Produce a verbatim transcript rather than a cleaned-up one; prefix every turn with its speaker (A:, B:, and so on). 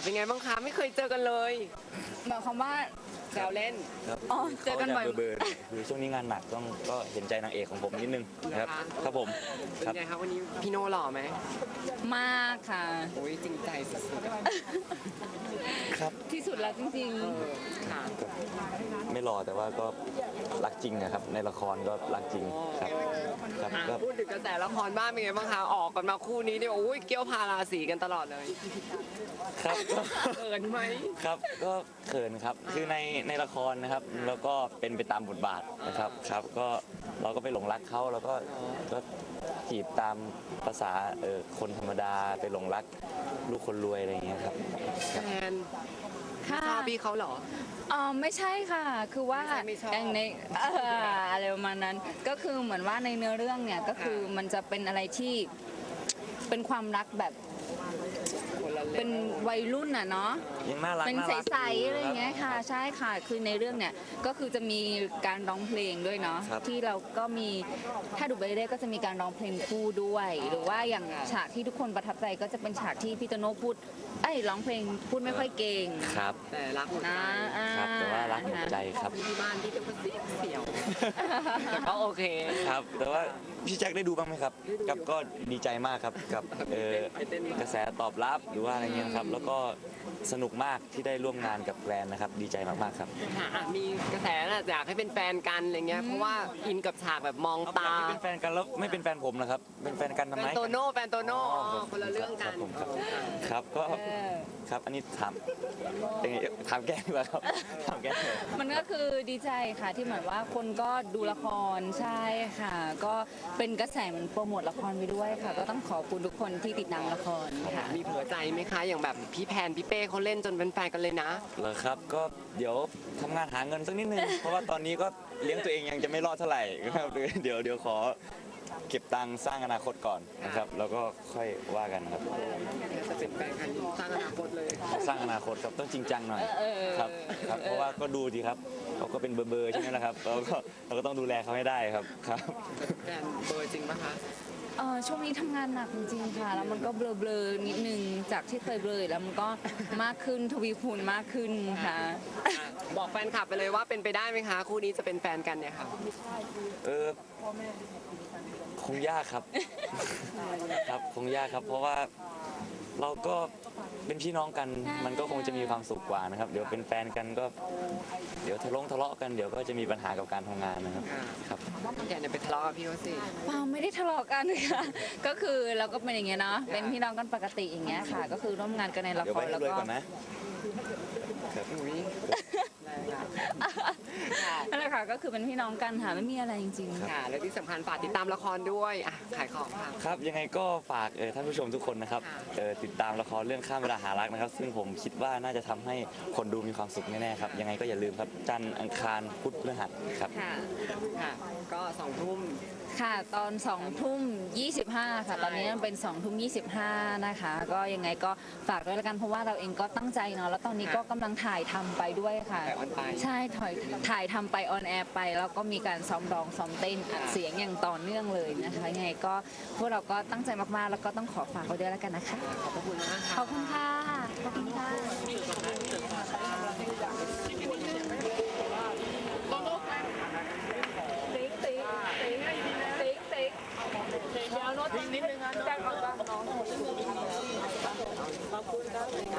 A: เป็นไงบ้างคะไม่เคยเจอกันเลย
B: หมายความว่า
A: แซวเล่น
C: ครับ
B: อ๋อเจอกันบ่อย
C: ขาจะเบอร์ๆคือช่วงนี้งานหนักต้องก็เห็นใจนางเอกของผมนิดนึงนะครับครับผม
A: เป็น
C: ครับ
A: ไงคะวันนี้พี่โน่หล่อไหม
B: มากค่ะ
A: โอ้ยจริงใจสุด
C: ครับ
B: ที่สุดแล้วจริง
A: ๆเออค่ะ
C: ไม่รอแต่ว่าก็รักจริงนะครับในละครก็รักจริงครับครับ
A: อ่ะ
C: ก็
A: พูดถึงกระแสละครบ้างเป็นไงบ้างคะออกกันมาคู่นี้เนี่ยโอ้ยเกี้ยวพาราสีกันตลอดเลย
C: ครับก็
A: เขินไหม
C: ครับก็เขินครับคือในในละครนะครับแล้วก็เป็นไปตามบทบาทนะครับครับก็เราก็ไปหลงรักเขาแล้วก็ก็จีบตามภาษาเออคนธรรมดาไปหลงรักลูกคนรวยอะไรอย่างเงี้ยครับ
A: แฟน
B: ๆ ค่ะ
A: ชอบพี่เขาเหรอ
B: อ๋อไม่ใช่ค่ะ คือว่า
A: ไม่ใช่ไม่ชอบ
B: อย่างในเอ่ออะไรประมาณนั้น ก็คือเหมือนว่าในเนื้อเรื่องเนี่ยก็คือมันจะเป็นอะไรที่เป็นความรักแบบ
A: คนละ
B: เป็นวัยรุ่นอ่ะเนาะ
C: ยังน่ารัก
B: เป็น
C: น่ารัก
B: ใสๆอะไรอย่างเงี้ย
C: ค
B: ค่ะ
C: รับ
B: ใช่ค่ะคือในเรื่องเนี่ยก็คือจะมีการร้องเพลงด้วยเนาะ
C: ครับ
B: ที่เราก็มีถ้าดูไปเรื่อยๆก็จะมีการร้องเพลงคู่ด้วย หรือว่าอย่างฉากที่ทุกคนประทับใจก็จะเป็นฉากที่พี่โตโน่พูดเอ้ยร้องเพลงพูดไม่ค่อยเก่ง
C: ครับ
A: แต่รักหมดใจ
B: นะอ่า
C: ครับแต่ว่ารักหมดใจครับ
A: ที่บ้านที่จะเสียวเสียวแต่ก็โอเค
C: ครับแต่ว่าพี่แจ็คได้ดูบ้างไหมครับกับก็ดีใจมากครับกับเอ่อกระแสตอบรับหรือว่าอะไรเงี้ยครับแล้วก็สนุกมากที่ได้ร่วมงานกับแกรนนะครับดีใจมากๆครับ
A: ค่ะอ่ะมีกระแสน่ะอยากให้เป็นแฟนกันอะไรเงี้ยเพราะว่าอินกับฉากแบบมองตา
C: ไม่เป็นแฟนกันแล้วไม่เป็นแฟนผมนะครับเป็นแฟนกันทำ
A: แฟ
C: ไม
A: นโตโน่แฟนโตโน่
C: อ๋อ
A: อ๋อคนละเรื่องกัน
C: ครับผมครับครับก็
B: เออ
C: ครับอันนี้ถามเป็นไงถามแกดีกว่าครับถามแกเลย
B: มันก็คือดีใจค่ะที่เหมือนว่าคนก็ดูละครใช่ค่ะ ก็เป็นกระแสเหมือนโปรโมทละครไปด้วยค่ะ ก็ต้องขอบคุณทุกคนที่ติดตามละครค่ะ
A: มีเผื่อใจไหมคะ อย่างแบบพี่แพนพี่เป้เขาเล่นจนเป็นแฟนกันเลยนะ
C: เหรอครับก็เดี๋ยวทำงานหาเงินสักนิดนึง เพราะว่าตอนนี้ก็เลี้ยงตัวเองยังจะไม่รอดเท่าไหร่ครับเดี๋ยวเดี๋ยวขอเก็บตังค์สร้างอนาคตก่อนนะครับแล้วก็ค่อยว่ากันครับ
A: จะเป็นแฟนกันสร้างอนาคตเลย
C: สร้างอนาคตครับต้องจริงจังหน่อย
B: เออ
C: ครับครับเพราะว่าก็ดูดีครับเขาก็เป็นเบอร์เบอร์ใช่ไหมล่ะครับเราก็เราก็ต้องดูแลเขาให้ได้ครับครับ
A: แฟนเบอร์จริงปะคะ
B: เออช่วงนี้ทำงานหนักจริงๆค่ะ แล้วมันก็เบลอๆนิดนึงจากที่เคยเบลอแล้วมันก็มากขึ้นทวีคูณมากขึ้นค่ะ
A: อ่ะบอกแฟนคลับไปเลยว่าเป็นไปได้ไหมคะ คู่นี้จะเป็นแฟนกันเนี่ยค่ะ
C: เออคงยากครับ ครับคงยากครับ เพราะว่าเราก็เป็นพี่น้องกันมันก็คงจะมีความสุขกว่านะครับ เดี๋ยวเป็นแฟนกันก็ เดี๋ยวทะเลาะทะเลาะกันเดี๋ยวก็จะมีปัญหากับการทำงานนะครับครับ
A: อย่าเนี่ยไปทะเลาะกับพี่เขาสิ
B: เปล่าไม่ได้ทะเลาะกันค่ะ ก็คือเราก็เป็นอย่างเงี้ยเนาะ เป็นพี่น้องกันปกติอย่างเงี้ยค่ะ ก็คือร่วมงานกันในละ
C: เดี๋ยว
B: ค
C: ไป
B: ร
C: ให้
B: แล้ว
C: รวย
B: ก็
C: ก่อนนะ
A: อุ้ยแรงอะค่ะ
B: นั่นแหละค่ะ ก็คือเป็นพี่น้องกันค่ะ ไม่มีอะไรจริงๆ
A: ค่ะ และที่สำคัญฝากติดตามละครด้วยอ่ะขายของค่ะ
C: ครับยังไงก็ฝากเอ่อท่านผู้ชมทุกคนนะครับ
A: ค่ะ
C: เอ่อติดตามละครเรื่องข้ามเวลาหารักนะครับ ซึ่งผมคิดว่าน่าจะทำให้คนดูมีความสุขแน่ๆครับยังไงก็อย่าลืมครับจันทร์อังคารพุธพฤหัสครับ
B: ค่ะ
A: ค่ะ ก็สองทุ่ม
B: ค่ะตอนสองทุ่มยี่สิบห้าค่ะ ตอนนี้มันเป็นสองทุ่มยี่สิบห้านะคะ ก็ยังไงก็ฝากด้วยละกันเพราะว่าเราเองก็ตั้งใจเนาะแล้วตอนนี้ก็กำลังถ่ายทำไปด้วยค่ะ
A: ถ่ายออนไป
B: ใช่ถ่ายถ่ายทำไปออนแอร์ไป แล้วก็มีการซ้อมร้องซ้อมเต้นอัดเสียงอย่างต่อเนื่องเลยนะคะยังไงก็พวกเราก็ตั้งใจมากๆ แล้วก็ต้องขอฝากไว้ด้วยละกันนะคะ
A: ขอบพระคุณมาก
B: ข
A: ค่ะ
B: อบคุณค่ะขอบคุณค่ะติ๊กติ๊กติ๊กติ๊กติ๊กเดี๋ยวโน้ตนิดนึงนะแจ้งก่อนว่าน้องขอบคุณครับ